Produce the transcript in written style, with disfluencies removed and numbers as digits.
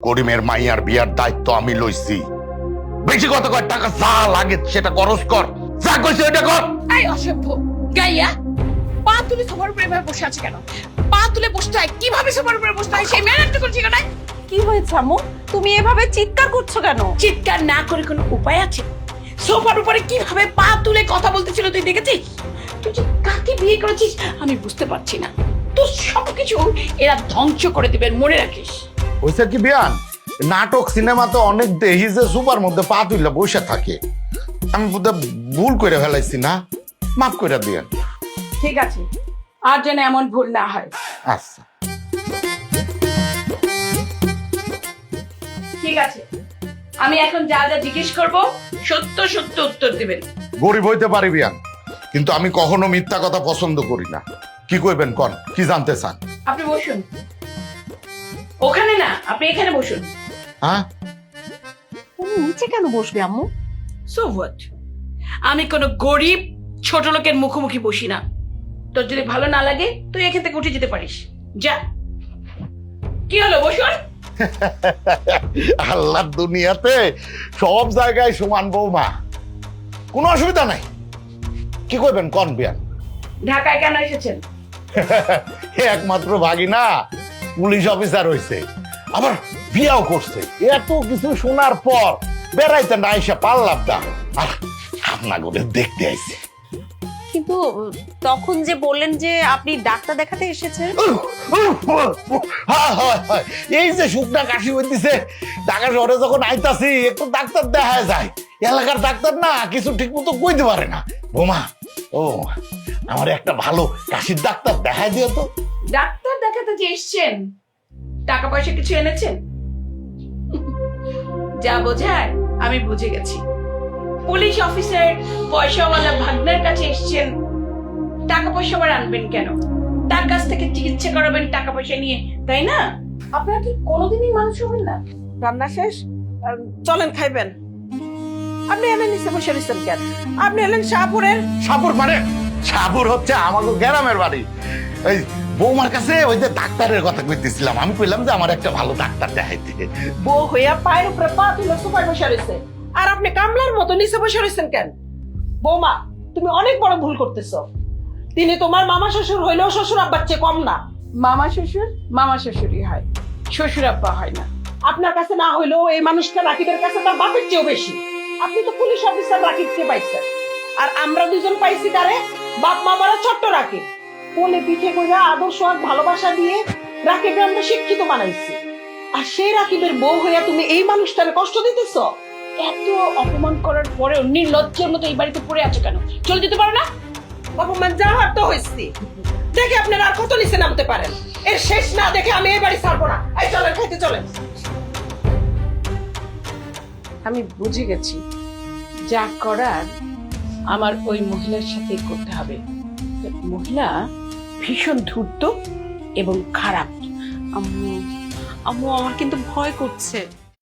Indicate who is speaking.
Speaker 1: করিমের মাইয়ার বিয়ার দায়িত্ব আমি লইছি। বেশি কত কয় টাকা যা লাগে সেটা খরচ কর, যা কইছে ওটা কর।
Speaker 2: এই অসভ্য গাইয়া, পা তুলে সোফার উপরে এভাবে বসে আছে কেন? পা তুলে বসতে হয়, কিভাবে সোফার উপরে বসতে হয় সেই ম্যানেজটা করছি কেন?
Speaker 3: কি হয়েছে আম্মু? তুমি এভাবে চিৎকার করছো কেন?
Speaker 2: চিৎকার না করে কোনো উপায় আছে? সোফার উপরে কিভাবে পা তুলে কথা বলতেছিল তুই দেখেছিস? তুই যে কাকে বিয়ে করেছিস আমি বুঝতে পারছি না। তোর সবকিছু এরা ধ্বংস করে দিবে, মনে রাখিস।
Speaker 1: হইছে কি বিয়ান, নাটক সিনেমাতে অনেক দেহি যে সুপার মধ্যে পা তুইলা বসে থাকে। আমি বোধহয় ভুল করে ফেলাইছি, না মাফ করে দিয়েন।
Speaker 2: ঠিক আছে, আর যেন এমন ভুল না হয়।
Speaker 1: আচ্ছা
Speaker 2: ঠিক আছে, আমি এখন যা যা জিজ্ঞেস করব সত্য সত্য উত্তর দিবেন।
Speaker 1: গরিব হইতে পারি বিয়ান, কিন্তু আমি কখনো মিথ্যা কথা পছন্দ করি না। কি কইবেন কন, কি জানতে চান?
Speaker 2: আপনি বসুন। ওখানে না, আপনি এখানে বসুন।
Speaker 1: হ্যাঁ,
Speaker 3: তুমি নিচে কেন বসবে আম্মু?
Speaker 2: So what? আমি কোনো গরিব ছোট লোকের মুখোমুখি বসি না। তোর যদি ভালো না লাগে তুই এখান থেকে উঠে যেতে পারিস, যা। কি হলো, বসুন।
Speaker 1: আল্লাহর দুনিয়াতে সব জায়গায় সমান বৌমা, কোনো অসুবিধা নাই। কি কইবেন কন বিয়ান?
Speaker 2: ঢাকায় কেন এসেছেন?
Speaker 1: একমাত্র ভাগিনা পুলিশ অফিসার হইছে, আবার বিয়াও করছে। এত কিছু শোনার পর বেড়াইতে না এসে পারলাম না, আর আপনার করে দেখতে আইছে।
Speaker 3: কিন্তু তখন যে বললেন যে আপনি ডাক্তার দেখাতে এসেছেন।
Speaker 1: এই যে শুকনা কাশি হইতেছে, ঢাকা শহরে যখন আইতাছি একটু ডাক্তার দেখা যায়। এলাকার ডাক্তার না কিছু ঠিক মতো কইতে পারে না। বোমা, ও আমার একটা ভালো কাশির ডাক্তার দেখাই দিও তো।
Speaker 2: ডাক্তার দেখাতে যে এসছেন, টাকা পয়সা কিছু এনেছেন? যা বোঝায় আমি বুঝে গেছি। পুলিশ অফিসার পয়সাওয়ালা ভাগ্নের কাছে এসছেন, টাকা পয়সা আবার আনবেন কেন? তার কাছ থেকে চিকিৎসা করাবেন টাকা পয়সা নিয়ে, তাই না? আপনারা কি কোনোদিনই মানুষ হবেন না?
Speaker 4: রান্না শেষ, চলেন খাইবেন। আপনি এলেন নিচে বসে রয়েছেন কেন? আপনি এলেন শাহপুরের।
Speaker 1: সাপুর মানে? সাপুর হচ্ছে আমাদের গ্রামের বাড়ি। এই বৌমার কাছে ওই যে ডাক্তারের কথা কইতেছিলাম, আমি কইলাম যে আমার একটা ভালো ডাক্তার দেখাইতে।
Speaker 4: বউ হইয়া পায়ের উপরে পা তুলে সোফায় বসে রয়েছে, আর আপনি কামলার মতো নিচে বসে রয়েছেন কেন? বৌমা, তুমি অনেক বড় ভুল করতেছো। তিনি তোমার মামা শ্বশুর হইলেও শ্বশুর আব্বার চেয়ে কম না।
Speaker 2: মামা শ্বশুরই হয়, শ্বশুর আব্বা হয় না।
Speaker 4: আপনার কাছে না হইলেও এই মানুষটা রাকিবের কাছে তার বাপের চেয়েও বেশি। আপনি তো পুলিশ অফিসার রাকিব চেয়ে পাইছেন, আর আমরা দুজন পাইছি তারে বাপ মামারা ছোট্ট রাকিব। কোলে পিঠে কইরা আদর সোহাগ ভালোবাসা দিয়ে রাকিবকে আমরা শিক্ষিত বানাইছি, আর সেই রাকিবের বউ হইয়া তুমি এই মানুষটারে কষ্ট দিতেছ।
Speaker 2: এত অপমান করার পরেও নির্লজ্জের মতো এই বাড়িতে পড়ে আছো কেন? চলে যেতে পারো না?
Speaker 4: অপমান যা হওয়ার তো হয়েছি, দেখে আপনারা আর কত নিচে নামতে পারেন। এর শেষ না দেখে আমি এই বাড়ি ছাড়বো না। এই চলেন, খাইতে চলেন।
Speaker 2: আমি বুঝে গেছি, যা করার আমার ওই মহিলার সাথে করতে হবে। মহিলা ভীষণ ধূর্ত এবং খারাপ।
Speaker 3: আম্মু, আম্মু আমার কিন্তু ভয় করছে।